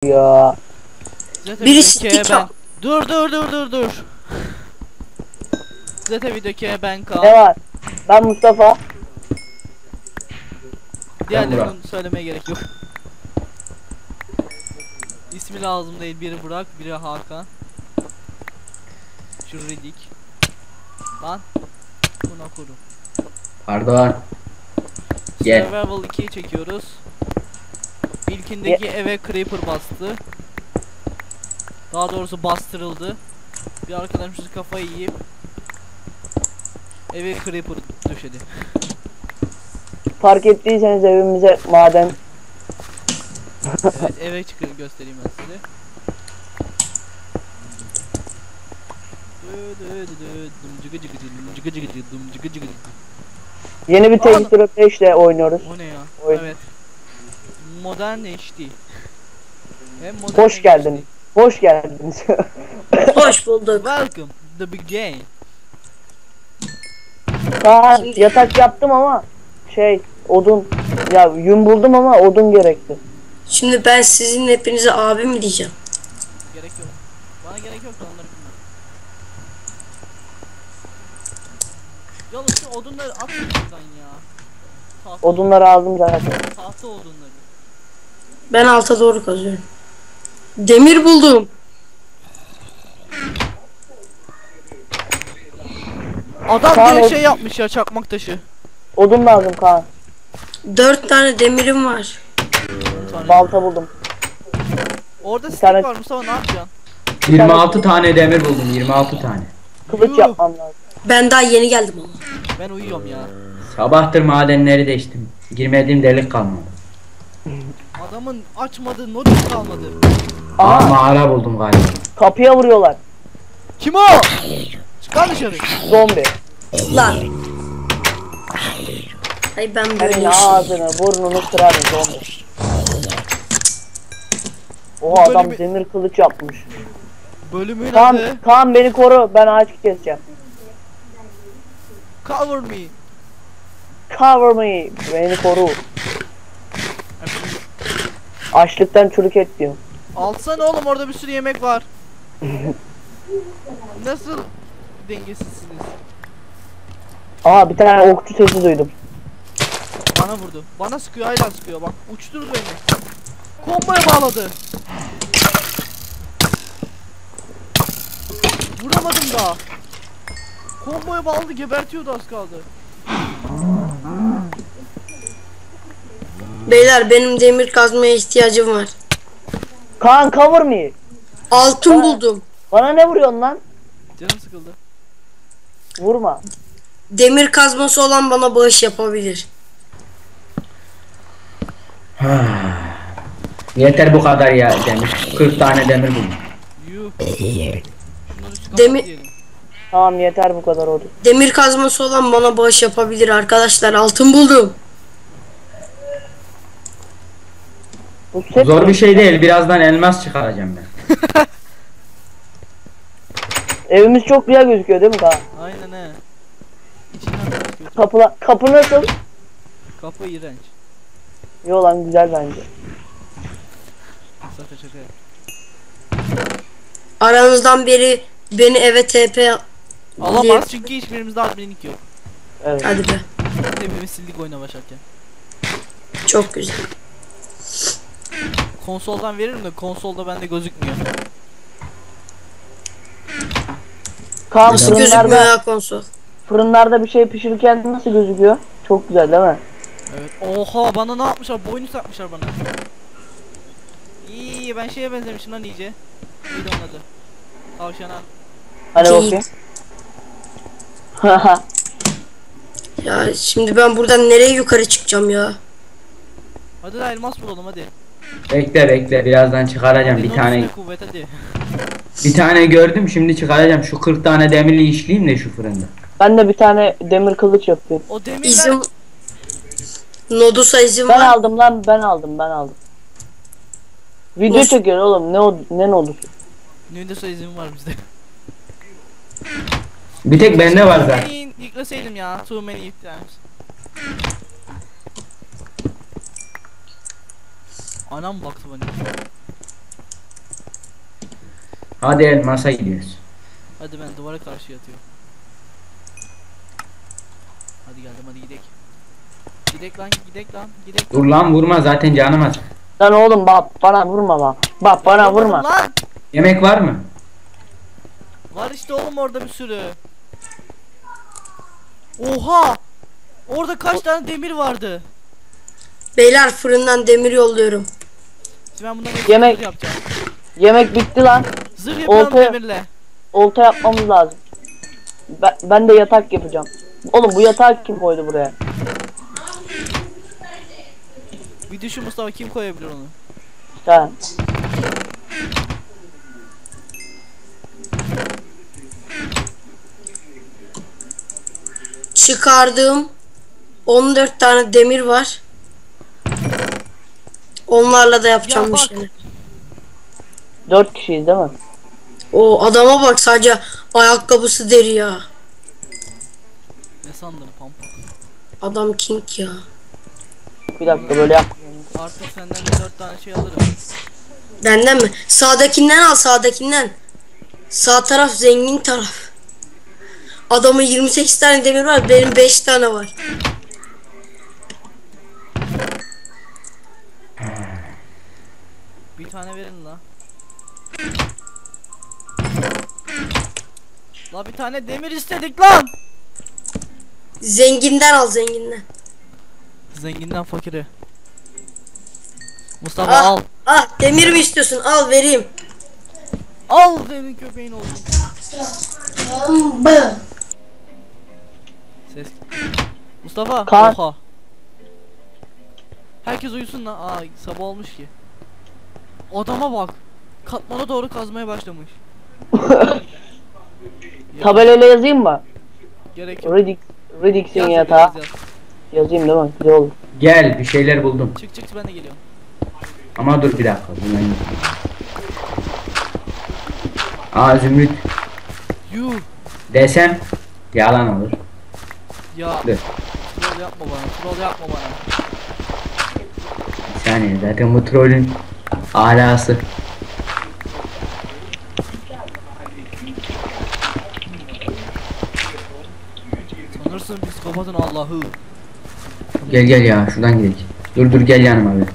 ya. Zaten Birisi videoya ben... TikTok. Dur. Zaten videoya ben Ne Kaan. var? Ben Mustafa. Diğerlerini söylemeye gerek yok. İsmi lazım değil. Biri Burak, biri Hakan. Şu Ridik. Lan. Buna kurum. Pardon. Gel. Survival 2'yi çekiyoruz. İlkindeki eve creeper bastı. Daha doğrusu bastırıldı. Bir arkadaşımız kafayı yiyip eve creeper döşedi. Fark ettiyseniz evimize maden. Evet, eve çıkır göstereyim ben size. Yeni bir Tekstür 5 ile oynuyoruz. O ne ya? Oyun. Evet. Modern HD. Hem modern Hoş HD. geldiniz. Hoş geldiniz. Hoş bulduk. Welcome the big game. Kaan yatak yaptım ama odun ya yün buldum ama odun gerekti. Şimdi ben sizin hepinize abi mi diyeceğim? Gerek yok. Bana gerek yok da onları bilmem. Yalnız şu odunları at şuradan ya. Tahta, Odunları aldım zaten. tahta odunları. Ben alta doğru kazıyorum. Demir buldum. Adam Kaan, direkt şey yapmış ya, çakmak taşı. Odun lazım Kaan. 4 tane demirim var. Balta buldum. Orada stick tane- var Mustafa, ne yapacaksın? 26 tane demir buldum. 26 tane. Kılıç Yuh. yapmam lazım. Ben daha yeni geldim ama. Ben uyuyorum ya. Sabahtır madenleri deştim. Girmediğim delik kalmadı. Adamın açmadığı notis kalmadı. Aa, Aa, mağara buldum galiba. kapıya vuruyorlar. Kim o? Çıkar dışarı. Zombi. Lan. Ay ben böyle Senin ağzını burnunu kırarım zombi. O adam bölümü- demir kılıç yapmış. Bölümün adı Kaan beni koru, ben ağaç keseceğim. Cover Me. Cover me, beni koru. Açlıktan çürük et diyor. Alsana oğlum, orada bir sürü yemek var. Nasıl dengesizsiniz? Aa, bir tane okçu sesi duydum. Bana vurdu. Bana sıkıyor, hala sıkıyor bak. Uçturdu beni. Komboya bağladı. Vuramadım daha. Komboya bağladı, gebertiyordu az kaldı. Beyler benim demir kazmaya ihtiyacım var. Kaan cover me. Altın buldum. Bana ne vuruyorsun lan? Canım sıkıldı. Vurma. Demir kazması olan bana bağış yapabilir. Yeter bu kadar ya demir. 40 tane demir buldum. Yuh. Şunları şu Demi- kapat diyelim. Tamam, yeter bu kadar oldu. Demir kazması olan bana bağış yapabilir arkadaşlar. Altın buldum. Bu set Zor bir şey değil. Birazdan elmas çıkaracağım ben. Evimiz çok güzel gözüküyor değil mi Kaan? Aynen he. İçinden bakıyor. Kapı nasıl? Kapı iğrenç. Yo lan, güzel bence. Zaten şaka yap. Aranızdan biri beni eve TP Alamaz çünkü hiçbirimizde adminlik yok. Evet. Hadi be. Hepimiz sildik oyuna başlarken. Çok güzel. Konsoldan veririm de konsolda bende gözükmüyor. Kaan Nasıl gözükmüyor fırınlarda, ya konsol? fırınlarda bir şey pişirirken nasıl gözüküyor? Çok güzel değil mi? Evet. Oha, bana ne yapmışlar? Boynuz takmışlar bana. İyi, ben şeye benzemişim lan iyice. Neydi onun adı? Tavşana. Hani Geyik. bakayım. Ya şimdi ben buradan nereye yukarı çıkacağım ya? Hadi da elmas bulalım hadi. Bekle birazdan çıkaracağım Hadi, bir tane. Nodus'la kuvvet hadi. Bir tane gördüm şimdi çıkaracağım. Şu 40 tane demirli işleyeyim de şu fırında. Ben de bir tane demir kılıç yapıyorum. O demirler... İzin... Nodus'a izin Ben var. aldım lan, ben aldım. Video Nasıl? çekiyor oğlum, ne oldu? Nodus'a izin var bizde. Bir tek bende var zaten. Yükleseydim ya. Too many times. Anam baktı bana. Hadi elmasa gidiyoruz. Hadi ben duvara karşı yatıyorum. Hadi geldim, hadi gidek. Gidek lan, gidek lan, gidek. Dur lan vurma, zaten canım az. Lan oğlum bak bana vurma bak. Bak bana vurma. Lan! Yemek var mı? Var işte oğlum orada bir sürü. Oha! Orada kaç tane demir vardı? Beyler fırından demir yolluyorum. Şimdi ben bundan Yemek- zırh yapacağım. Yemek bitti lan. Zırh yapıyorum Oltaya- demirle. Olta yapmamız lazım. Ben de yatak yapacağım. Oğlum bu yatağı kim koydu buraya? Bir düşün Mustafa, kim koyabilir onu? Sen. Çıkardığım 14 tane demir var. Onlarla da yapacağım Ya bir bak. şeyler. 4 kişiyiz değil mi? O adama bak, sadece ayakkabısı deri ya. Ne sandın pampa? Adam king ya. Bir dakika böyle yap. Artık senden bir 4 tane şey alırım. Benden mi? Sağdakinden al, sağdakinden. Sağ taraf zengin taraf. Adamın 28 tane demir var, benim 5 tane var. Bir tane verin la. La bir tane demir istedik lan. Zenginden al, zenginden. Zenginden fakire. Mustafa Ah, al. ah demir mi istiyorsun? Al vereyim. Al senin köpeğin olsun. Ses. Mustafa. Kaan. Oha. Herkes uyusun lan. Aa sabah olmuş ki. Adama bak. Katmana doğru kazmaya başlamış. Ya, Tabelayla yazayım mı? gerek yok. Riddix'in Yaz, yatağı. yaz, yaz. Yazayım değil mi? Güzel olur. Gel, bir şeyler buldum. Çık çık ben de geliyorum. Ama dur bir dakika. Bundan... Aa zümrüt Yuh. desem yalan olur. Ya. Dur. Troll yapma bana. Troll yapma bana. Bir saniye, zaten bu trollün alası. Sanırsın psikopatın Allah'ı. Gel gel ya, şuradan gidelim. Dur gel yanıma bir.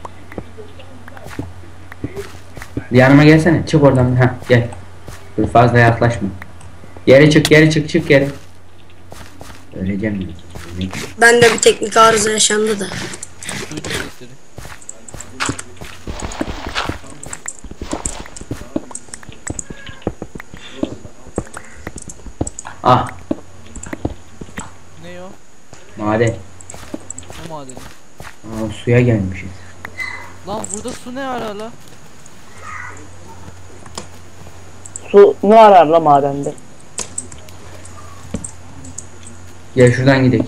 Bir yanıma gelsene, çık oradan. Ha gel. Dur fazla yaklaşma. Geri çık, çık geri. Öleceğim ben. Bende bir teknik arıza yaşandı da. Duydum sesleri. Ah Ne o? maden. Ne madeni? Aa, suya gelmişiz. Lan burada su ne ara la? Su ne arar la madende? Gel şuradan gidelim.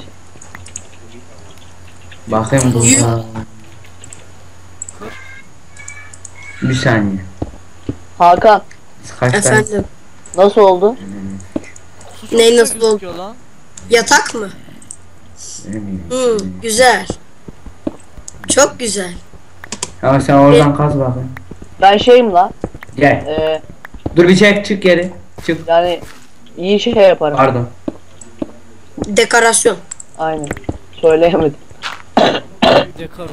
Bakayım burada. Bir saniye. Hakan Kaç tane? Efendim. nasıl oldu? Su çok Ney güzel nasıl oldu? gözüküyor lan. Yatak mı? Güzel. Çok güzel. Ama sen oradan kaz bakayım. Ben şeyim la. Gel. Eee Dur bir çek, çık geri. Çık. yani iyi şey yaparım. Pardon. Dekorasyon. Aynen. Söyleyemedim. Dekaro.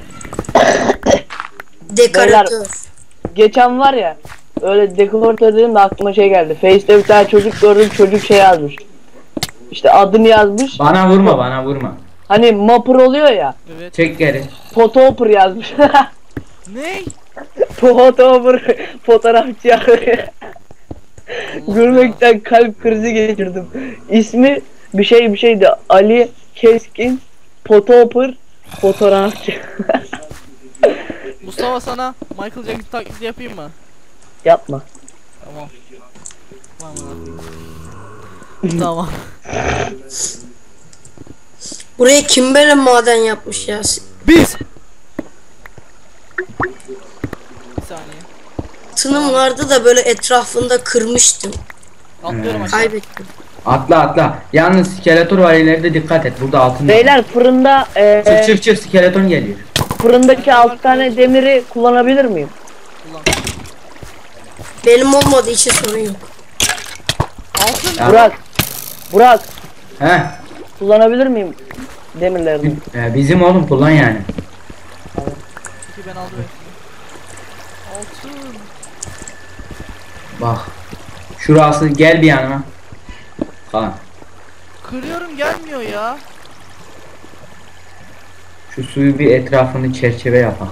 Dekoratör. Geçen var ya öyle dekoratör dedim de aklıma şey geldi. Face'te bir tane çocuk gördüm, çocuk şey yazmış. İşte adını yazmış. Bana vurma, bana vurma. Hani mapper oluyor ya. Evet. Çek geri. Photopper yazmış. Ne? Photopper fotoğrafçı ya. Allah Gülmekten kalp krizi geçirdim. İsmi bir şeydi. Ali Keskin Photopper fotoğrafçı. ya. Mustafa sana Michael Jackson taklidi yapayım mı? Yapma. Tamam. Tamam. Tamam. Buraya kim böyle maden yapmış ya? Biz. Bir saniye. Tınım vardı da böyle etrafında kırmıştım. Atlıyorum aşağı. Kaybettim. Atla. Yalnız skeletor var ileride, dikkat et. Burada altın. Beyler fırında Çık skeleton geliyor. fırındaki 6 tane demiri kullanabilir miyim? Kullan. Benim olmadığı için sorun yok. Altın. Ya. Burak He. kullanabilir miyim demirlerini? Bizim oğlum kullan yani. Peki ben aldım hepsini. Altın. Bak. Şurası gel bir yanıma. Kaan. Kırıyorum gelmiyor ya. Şu suyu bir etrafını çerçeve yapak.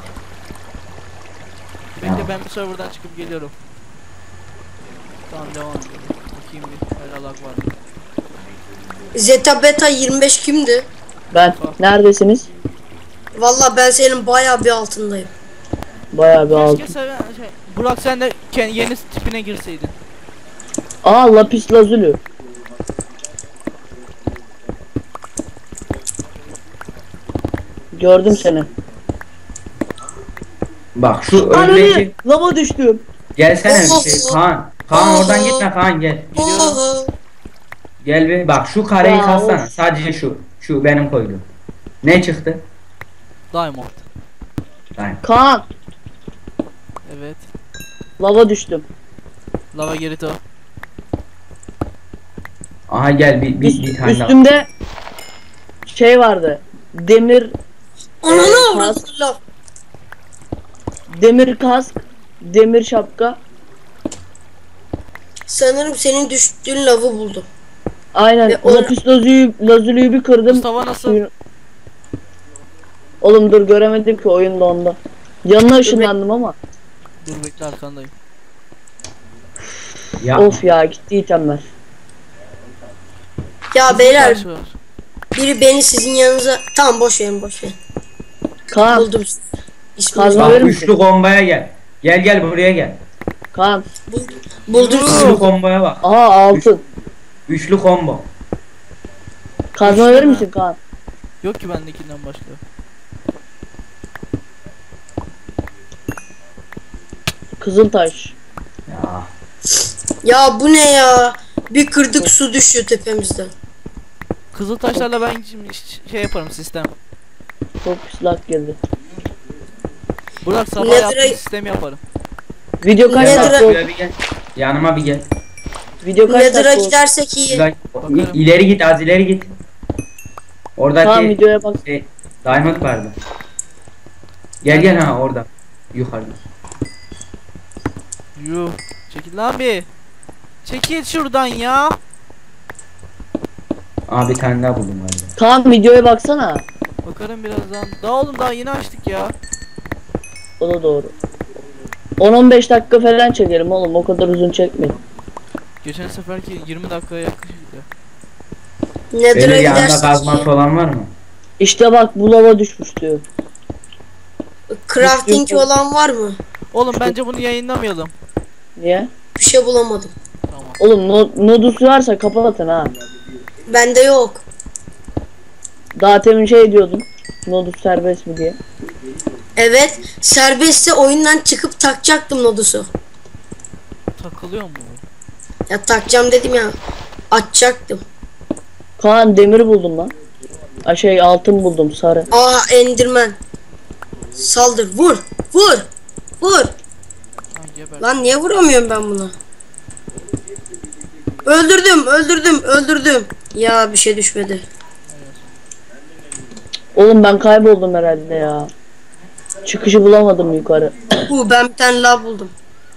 Bekle ben bir serverdan çıkıp geliyorum. Tamam devam edelim. Bakayım bir. Her alak var. Zeta Beta 25 kimdi? Ben. Neredesiniz? Valla ben senin bayağı bir altındayım. Bayağı bir Keşke altın. Burak sen de yeni tipine girseydin. Aa lapis lazuli. Gördüm seni. Bak şu Ananı öndeki lava düştüm. gelsene bir şey Kaan. Kaan oradan gitme Kaan gel. Oho. Gel bir bak şu kareyi Ya, kazsana. of. Sadece şu. Şu benim koyduğum. Ne çıktı? Diamond. Tamam. Kaan Evet. lava düştüm. Lava Gerito. Aha gel bir tane daha. Üstümde şey vardı. Demir Ananı kask, avradım laf. demir kask, demir şapka. Sanırım senin düştüğün lavı buldum. Aynen. Ve o- Lapis lazuli bir kırdım. Mustafa nasıl? Suyun- Oğlum dur göremedim ki oyunda onda. Yanına ışınlandım ama. Dur bekle arkandayım. Ya Of ya gitti itemler. Ya beyler Taş var. biri beni sizin yanınıza... Tamam boş verin boş verin. Kaan, Buldum. İsmini Kazma bak verir misin? üçlü komboya gel. Gel buraya gel. Kaan. buldum Üçlü sizi. komboya bak. Aha altın. Üçlü combo. Kazma Üçlü verir mü? misin Kaan? Yok ki bendekinden başka. Kızıltaş. Ya. Ya bu ne ya? Bir kırdık su düşüyor tepemizden. Kızıl taşlarla ben şimdi şey yaparım sistem. Çok pis lag geldi. Burak sabah Nether'a- yaptığım sistemi yaparım. Video kaç Nether'a- dakika oldu? Şöyle bir gel. Yanıma bir gel. Video kaç Nether'a dakika oldu? gidersek iyi. Şurada- Bakarım. İleri git az ileri git. Oradaki Tamam videoya bak. diamond vardı. Gel ha orada. Yukarıda. Yuh. Çekil lan bir. Çekil şuradan ya. Aa bir tane daha buldum galiba. Kaan videoya baksana. Bakarım birazdan. Daha oğlum daha yeni açtık ya. O da doğru. 10-15 dakika falan çekelim oğlum, o kadar uzun çekmeyin. Geçen seferki 20 dakikaya yaklaşıktı. Nether'a Böyle yanında gidersek kazması iyi. olan var mı? İşte bak bu lava düşmüş diyor. Crafting olan var mı? Oğlum bence bunu yayınlamayalım. Niye? Bir şey bulamadım. Tamam. Oğlum nodus varsa kapatın ha. Bende yok. Daha temin şey diyordun. Nodus serbest mi diye. Evet, serbestse oyundan çıkıp takacaktım Nodus'u. Takılıyor mu? Ya takacağım dedim ya. Açacaktım. Kaan demir buldum lan. Şey altın buldum sarı. Aa Enderman. Saldır, vur, vur, vur. Ha geber. Lan niye vuramıyorum ben buna? Öldürdüm. Ya bir şey düşmedi. Oğlum ben kayboldum herhalde ya. Çıkışı bulamadım yukarı. Ben bir tane lav buldum.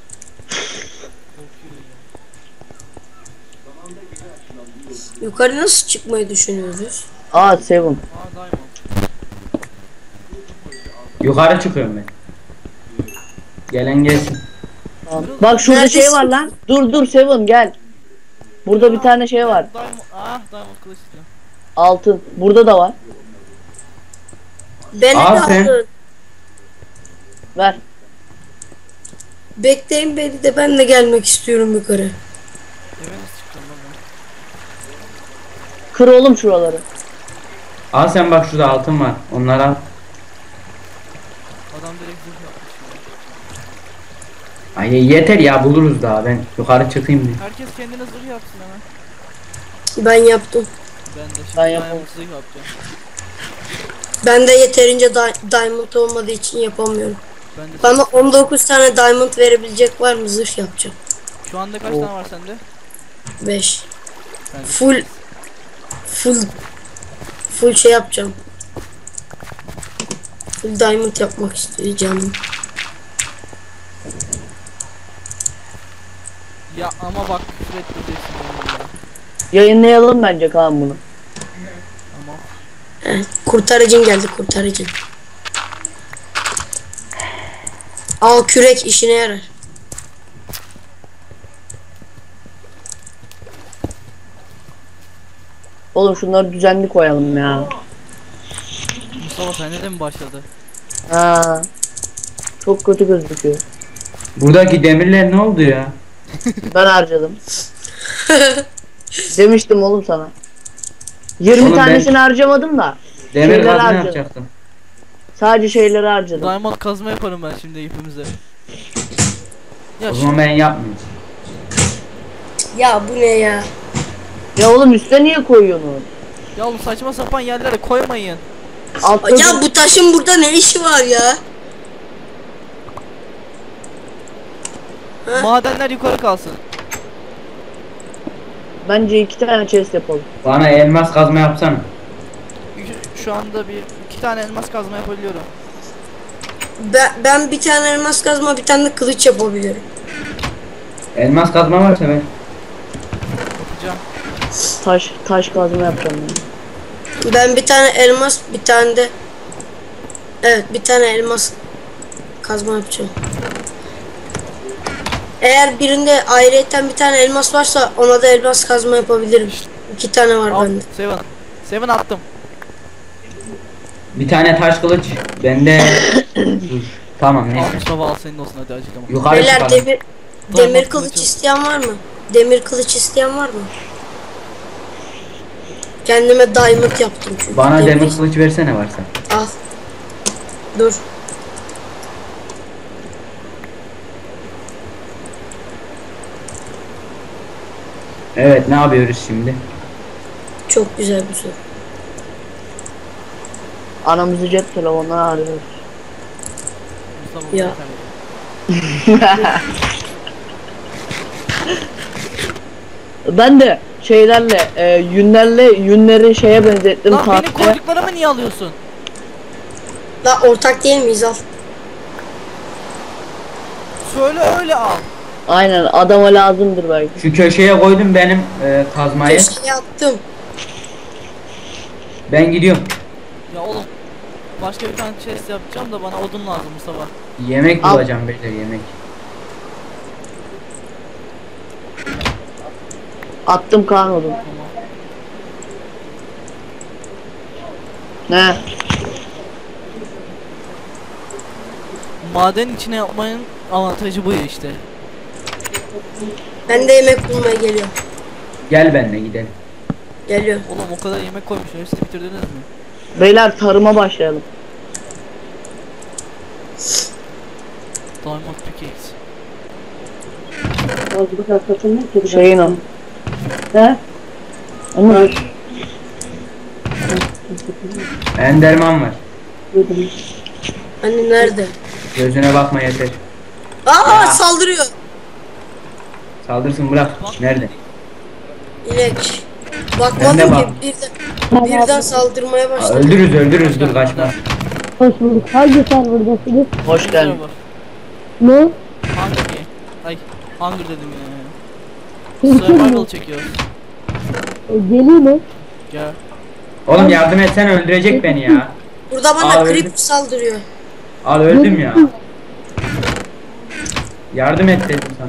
Yukarı nasıl çıkmayı düşünüyoruz? Aa Seven. Aa diamond. Yukarı çıkıyorum ben. Gelen gelsin. Tamam. Bak şurada Neredesin? şey var lan. Dur Seven gel. Burada bir tane şey var. Diamond. Ah diamond kılıç istiyorum. Altın. Burada da var. Beni de Al sen. alın. Ver. Bekleyin beni de, ben de gelmek istiyorum yukarı. Eve nasıl çıktım lan ben? Kır oğlum şuraları. Al sen bak şurada altın var. Onları al. Adam direkt zırh yapmış ya. Ay yeter ya buluruz daha. Ben yukarı çıkayım bir. Herkes kendine zırh yapsın hemen. Ben yaptım. Ben de şimdi Ben diamond yapamam. zırh yapacağım. Ben de yeterince diamond olmadığı için yapamıyorum. Ben de Bana 19 tane diamond verebilecek var mı? Zırh yapacağım. şu anda kaç tane var sende? 5. Bende Full full full şey yapacağım. Full diamond yapmak isteyeceğim. Ya ama bak küfür ettireceksin beni ya. Yayınlayalım bence Kaan bunu. Ama Kurtarıcın geldi, kurtarıcın. Al kürek işine yarar. Oğlum şunları düzenli koyalım ya. Mustafa sende de mi başladı? Ha. Çok kötü gözüküyor. Buradaki demirler ne oldu ya? Ben harcadım. Demiştim oğlum sana. 20 Oğlum ben- tanesini harcamadım da. Demir Şeyleri kazma harcadım. yapacaktım. Sadece şeyleri harcadım. Diamond kazma yaparım ben şimdi ipimize. Ya O zaman ben yapmayayım. Ya bu ne ya? Ya oğlum üstte niye koyuyorsun onu? ya oğlum saçma sapan yerlere koymayın. Altta Ya bu taşın burada ne işi var ya? Ha? Madenler yukarı kalsın. bence 2 tane chest yapalım. Bana elmas kazma yapsana. Şu anda iki tane elmas kazma yapabiliyorum. Ben bir tane elmas kazma, bir tane de kılıç yapabiliyorum. Elmas kazma varsa ben. Yapacağım. Taş kazma yapacağım ben. Ben bir tane elmas, bir tane de bir tane elmas kazma yapacağım. Eğer birinde ayrıyeten bir tane elmas varsa ona da elmas kazma yapabilirim. 2 tane var Al bende. Seven. Seven attım. Bir tane taş kılıç. Bende. Dur. Tamam Al neyse. Mustafa al senin olsun hadi açıklama. Yukarı Beyler çıkalım. demir kılıç kılıç al. isteyen var mı? Demir kılıç isteyen var mı? Kendime diamond yaptım çünkü. Bana demir kılıç versene varsa. Al. Dur. Evet ne yapıyoruz şimdi? Çok güzel bir soru. Anamızı cep telefonuna arıyoruz. Mustafa Ya. Ben de şeylerle yünleri şeye benzettim. Lan benim tahtaya. koyduklarımı niye alıyorsun? La ortak değil miyiz, al. Söyle öyle al. Aynen adama lazımdır belki. Şu köşeye koydum benim kazmayı. Köşeye attım. Ben gidiyorum. Ya oğlum. Başka bir tane chest yapacağım da bana odun lazım Mustafa. Yemek Al. bulacağım beyler yemek. Attım Kaan oğlum. Tamam. Ne? Maden içine yapmanın avantajı bu ya işte. Ben de yemek bulmaya geliyorum. Gel benimle gidelim. Geliyor. Oğlum o kadar yemek koymuşsun hepsini bitirdiniz mi? Beyler tarıma başlayalım. Diamond pickaxe. Şeyin o. Ne? Ama Enderman var. Hani nerede? Gözüne bakma yeter. Aa Ya. saldırıyor. Saldırsın bırak. Nerede? İnek. Ben de Bakmadım bak. ki birden saldırmaya Aa, başladı. öldürürüz dur kaçma. Hoş bulduk. Hangi serverdasınız? hoş geldin. Ne? Hunger. Ay Hunger dedim ya. Survival çekiyoruz. Geleyim mi? Gel. Oğlum yardım etsen öldürecek beni ya. Burada bana Aa, öldü. creeper saldırıyor. Al öldüm ya. Yardım et dedim sana.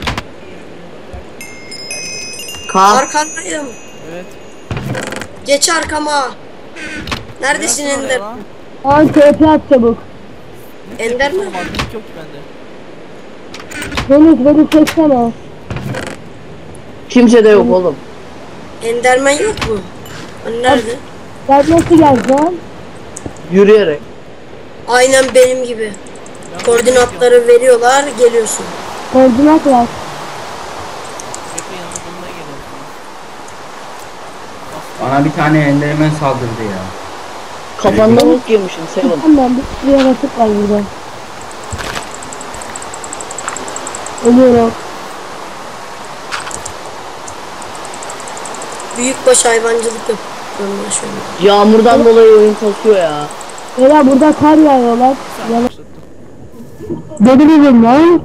Kaan Arkandayım. Evet. Geç arkama. Neredesin Neresi Ender? oraya lan? An TP at çabuk. Ne Ender mi? tepkisi olmaz, link yok ki bende. Deniz beni çeksene. kimse de yok oğlum. Enderman yok mu? Hani nerede? Ben nasıl geleceğim? Yürüyerek. Aynen benim gibi. Ben Koordinatları veriyorlar, geliyorsun. Koordinat ver. Bekle yanına bulmaya geliyorum Bana bir tane enderman saldırdı ya. Kafanda bok yemişsin Seven. Tamam bir sürü yaratık var burada. Ölüyorum. Büyükbaş hayvancılık yapıyorum ben şöyle. Yağmurdan dolayı oyun kasıyor ya. Beyler burada kar yağıyorlar. Sen başlattın. Beni bilin lan.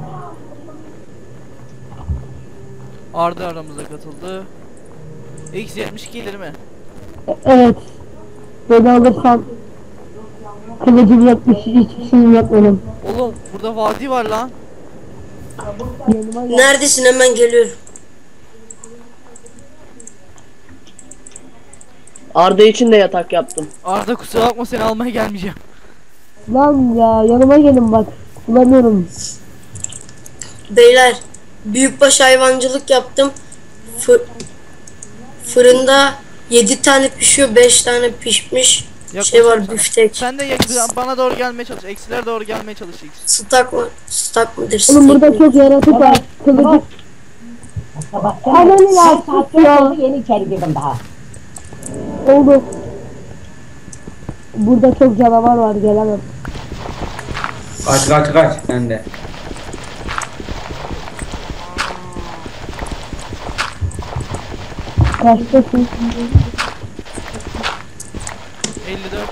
Arda aramıza katıldı. X72 değil mi? Evet. Beni alırsan kılıcım yokmuş, hiçbir şeyim yok benim. Oğlum burada vadi var lan. Yanıma gel. Neredesin, hemen geliyorum. Arda için de yatak yaptım. Arda kusura bakma, seni almaya gelmeyeceğim. Lan ya yanıma gelin bak. Bulamıyorum. Beyler, büyükbaş hayvancılık yaptım. Fırında 7 tane pişiyor, 5 tane pişmiş. Şey var, Yaklaşık sana. büftek. Sen de bana doğru gelmeye çalış. Eksiler doğru gelmeye çalış X. Stak mı? Stak mıdır? Oğlum Steak burada mi? çok yaratık var. Kılıcı. Ananı ya sus ya. Yeni içeri girdim daha. Oldu. Burada çok canavar var, gelemem. Kaç sen de. Kaçtasın? 54.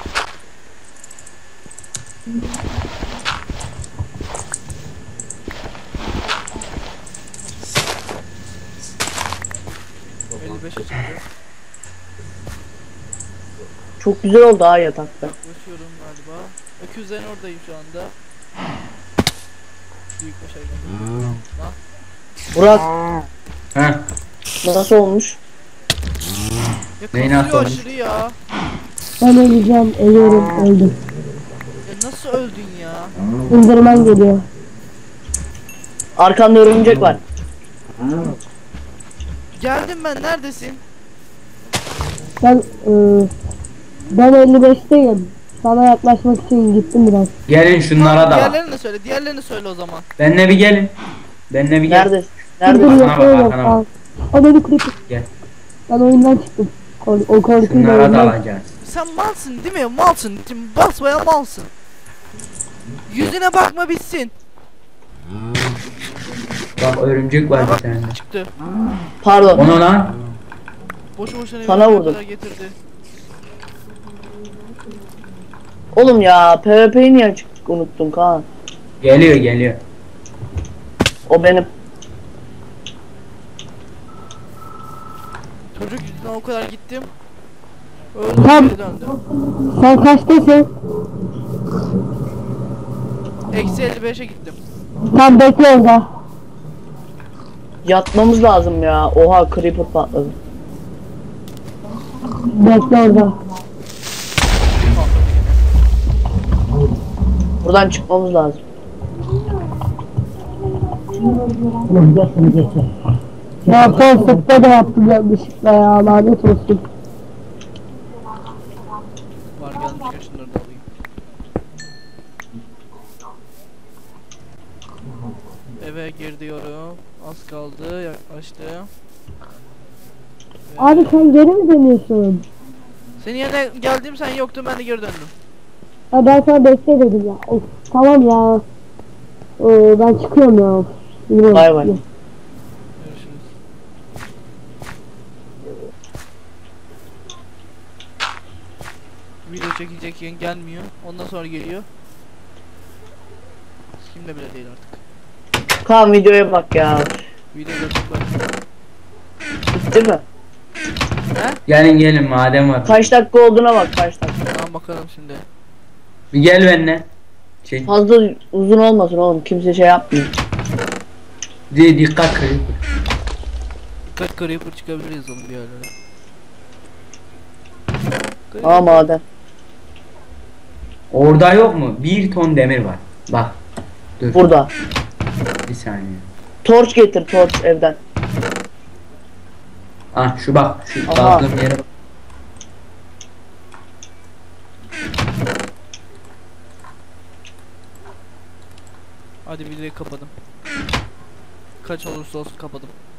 çıktı. Çok güzel oldu ha yatakta. Yaklaşıyorum galiba. Öküzlerin oradayım şu anda. Büyük bir şey geldi. Burak Heh. nasıl olmuş? Ya Neyin kasıyor atlamış? aşırı ya. Ben öleceğim, ölüyorum, öldüm. Ya nasıl öldün ya? Enderman geliyor. Arkanda örümcek var. Geldim ben, neredesin? Ben ben 55'teyim. Sana yaklaşmak için gittim biraz. Gelin şunlara da. Diğerlerini söyle o zaman. Benle bir gelin. Benle bir gel. Neredesin? Dur Neredesin? Arkana bak, yapıyorum. arkana bak. Al beni creeper. Gel. Ben oyundan çıktım. O korkuyla Şunlara da oyundan. alacağız. Sen malsın değil mi? Malsın. Şimdi basmaya malsın. Yüzüne bakma bitsin. Bak örümcek var bir tane. Çıktı. Pardon. Onu lan. Boşu boşuna Sana evine vurdum. kadar getirdi. Oğlum ya PvP'yi niye açık unuttum Kaan? Geliyor. O benim. Çocuk yüzünden o kadar gittim. Öldüm, Tam. geri döndüm. Sen kaçtasın? Eksi 55'e gittim. Tam bekle orada. Yatmamız lazım ya. Oha creeper patladı. Bekle orada. Buradan çıkmamız lazım. Ya son sıkta da yaptım yanlışlıkla ya. Lanet olsun. Var gelmişken şunları da alayım. Eve gir diyorum. Az kaldı, yaklaştım. Abi sen geri mi dönüyorsun? Senin yerine geldim, sen yoktun, ben de geri döndüm. Ya ben sana bekle dedim ya. Of, tamam ya. Ben çıkıyorum ya. Bilmiyorum. Bay bay. Görüşürüz. Video çekecek yayın gelmiyor. Ondan sonra geliyor. Kimde bile değil artık. Kaan videoya bak ya. Videoda çok var. Bitti mi? Gelin madem var. Kaç dakika olduğuna bak kaç dakika. Tamam bakalım şimdi. Bir gel benimle. Şey. Fazla uzun olmasın oğlum. Kimse şey yapmıyor. Dikkat kırık. Dikkat, creeper çıkabiliriz oğlum bir yerlere. Aa maden. Orada yok mu? 1 ton demir var. Bak. Dur. Burada. Bir saniye. Torç getir torç evden. Ah şu bak. Şu Aha. kazdığım yere bak. Hadi videoyu kapadım. Kaç olursa olsun kapadım.